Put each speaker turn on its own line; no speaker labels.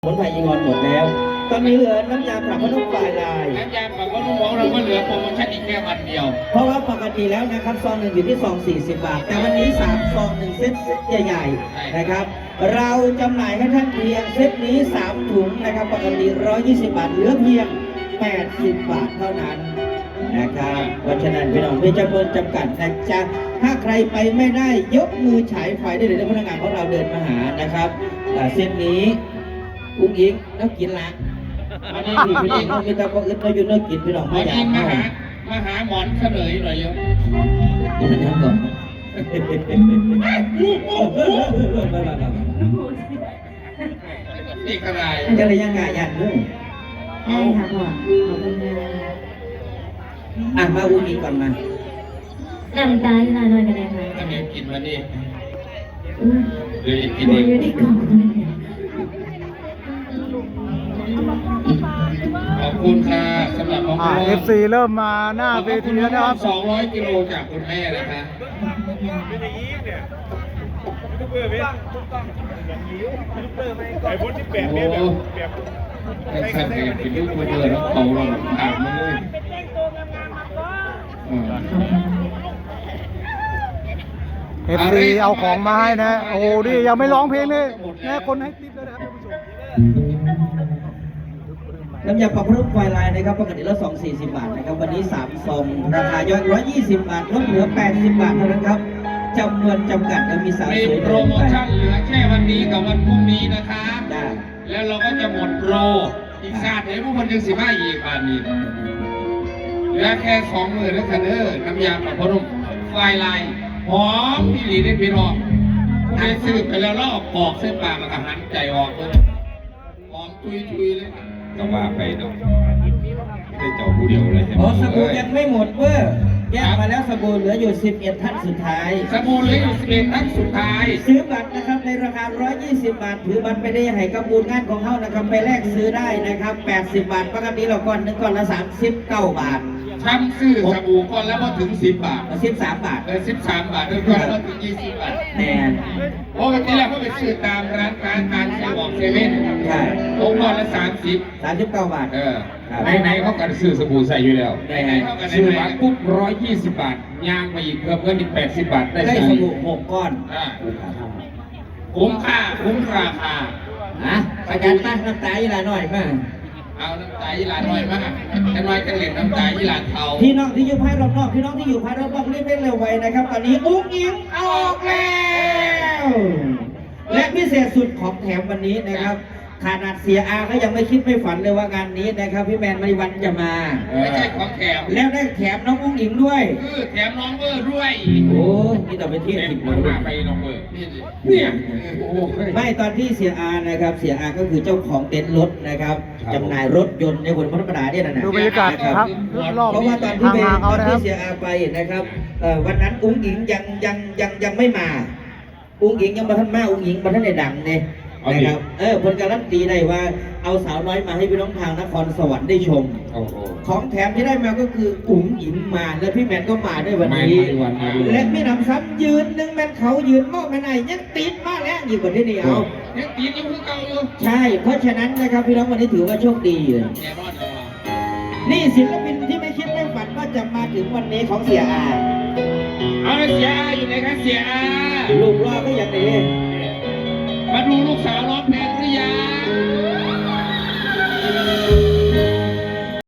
ผลไผ่ยิงออนหมดแล้วตอนนี้เหลือน้ำยาปรับผ้านุ่มปลายลาย
น้ำยาปรับผ้านุ่มของเราก็เหลือโปรโมชั่นอีกแค่วันเดียว
เพราะว่าปกติแล้วนะครับซองหนึ่งอยู่ที่ซอง40 บาทแต่วันนี้3ซอง1เซตใหญ่ๆนะครับเราจำหน่ายให้ท่านเพียงเซตนี้3ถุงนะครับปกติ120 บาทเหลือเพียง80 บาทเท่านั้นนะครับเพราะฉะนั้นพี่น้องมีจำนวนจำกัดนะจ๊ะถ้าใครไปไม่ได้ยกมือฉายไฟได้เลยพนักงานของเราเดินมาหานะครับเซตนี้อุ้งอิงแล้วกินละอันนี้พี่น้องมีแต่พวกอื่นเราอยู่เนื้อกินพี่น้องไม่อยาก
มาหาหมอนเฉลยหน่อยเยอะ
กินน้ำก่อน
นี่กระไร
จะเลยยังไงยันด้วย
ได้ค่ะพ่อขอบคุณค่ะ
มาอุ้งอิงก่อนมา
น้ำตาลลาหน่อยกันเลยค่ะ
จะมีกินวันนี้
เดี๋ยว
กินเอง
อยู่ที่กล่อง
ขอบคุณค่ะสำหรับของ
FC เริ่มมาหน้าเวทีแล้วนะครับ
200 กิโลจากคุณแม่นะคะ
ไอ้พวกที่แปดเนี่ยแบบ
ไอ้สัตว์เนี่ยเป็นลูกมาเจอแล้วเขาเราถามมาเลย
FC เอาของมาให้นะโอ้ดิยังไม่ร้องเพลงเลยนะคนให้ติ๊บแล้วนะครับท่านผู้ชม
น้ำยาปรับผ้านุ่มไฟลายนะครับปกติแล้ว240 บาทนะครับวันนี้3ซองราคาย่อย120 บาทลดเหลือ80 บาทเท่านั้นครับจำนวนจำกัดและมีสาวสวย
โปรโมชั่นเหลือแค่วันนี้กับวันพรุ่งนี้นะคะแล้วเราก็จะหมดโปรอีกชาติเดี๋ยวพวกมันยัง15อีกบาทนี้เหลือแค่20,000แล้วค่ะเด้อน้ำยาปรับผ้านุ่มไฟลายหอมพี่หลีได้พี่รองผู้ใดซื้อไปแล้วเราออกปอกเส้นปากแล้วก็หันใจออกเลยหอมตุยเลยก็ว่าไปเนาะได้เจ้าผู้เดียวเลย
อ๋อสบู่ยังไม่หมดเว้ยแยกมาแล้วสบู่เหลืออยู่11ท่านสุดท้าย
สบู่เหลืออยู่11ท่านสุดท้าย
ซื้อบัตรนะครับในราคา120 บาทถือบัตรไปได้ให้กับบูญงานของเขานะครับไปแลกซื้อได้นะครับ80 บาทปกติเราก่อน1ก้อนละ39 บาท
ช้ำซื้อสบู่ก้อนแล้วก็ถึง10 บาท
13 บาท
13 บาทด้วยก้อนแล้วถึง20 บาท
แน่
ปกติแล้วเขาไปซื้อตามร้านค้าตามเซเว่น
ใช่
ก้อนละ
39 บาท
ไหนเขากันซื้อสบู่ใส่อยู่แล้วไหนเขากันซื้อบัตรปุ๊บ120 บาทย่างไปอีกเพิ่มเงินอีก80 บาท
ได้สบู่6 ก้อน
คุ้มค่าคุ้มราคา
อาจารย์ตั้งน้ำตาอีหลาหน่อยมาก
เอาน้ำตาอีหลาหน่อยมากจะน้อยกันเหรียญน้ำตาอีหลาเทา
พี่น้องที่อยู่ภายรอบนอกพี่น้องที่อยู่ภายรอบนอกรีบเร่งเร็วไวนะครับตอนนี้อุ้งอิงออกแล้วและพิเศษสุดของแถมวันนี้นะครับขนาดเสียอาก็ยังไม่คิดไม่ฝันเลยว่างานนี้นะครับพี่แมนมณีวันจะมา
ไม่ใช่ของแถม
แล้วได้แถมน้องอุ้งอิงด้วย
แถมน้องเวอร์ด้วย
โอ้นี่ต่อไปเที่ยวผิด
มาไปน้องเวอร์เนี่ย
ไม่ตอนที่เสียอานะครับเสียอาก็คือเจ้าของเต็นท์รถนะครับจำหน่ายรถยนต์ในคนธรรมดาเนี่ยนะ
ดูบรรยากาศครับ
เพราะว่าตอนที่เสียอาไปนะครับวันนั้นอุ้งอิงยังไม่มาอุ้งอิงยังมาท่านมาอุ้งอิงมาท่านในดังเนี่ยนะครับคนการันตีได้ว่าเอาสาวน้อยมาให้พี่น้องทางนครสวรรค์ได้ชมของแถมที่ได้มาก็คืออุ้งอิงมาและพี่แมนก็มาด้วยวันนี้และไม่นำซ้ำยืนนึงแมนเขายืนมอกแมนไหนยังติดมาแล้วอยู่กว่าที่นี่เอา
ยังติดอยู่คือเก่าอยู่
ใช่เพราะฉะนั้นนะครับพี่น้องวันนี้ถือว่าโชคดีเลยนี่ศิลปินที่ไม่คิดไม่ฝันว่าจะมาถึงวันนี้ของเสียอา
เอาเสียอาอยู่ไหนครับเสียอา
ลูกรอก็อย่างนี้
มาดูลูกสาวร้องเพลง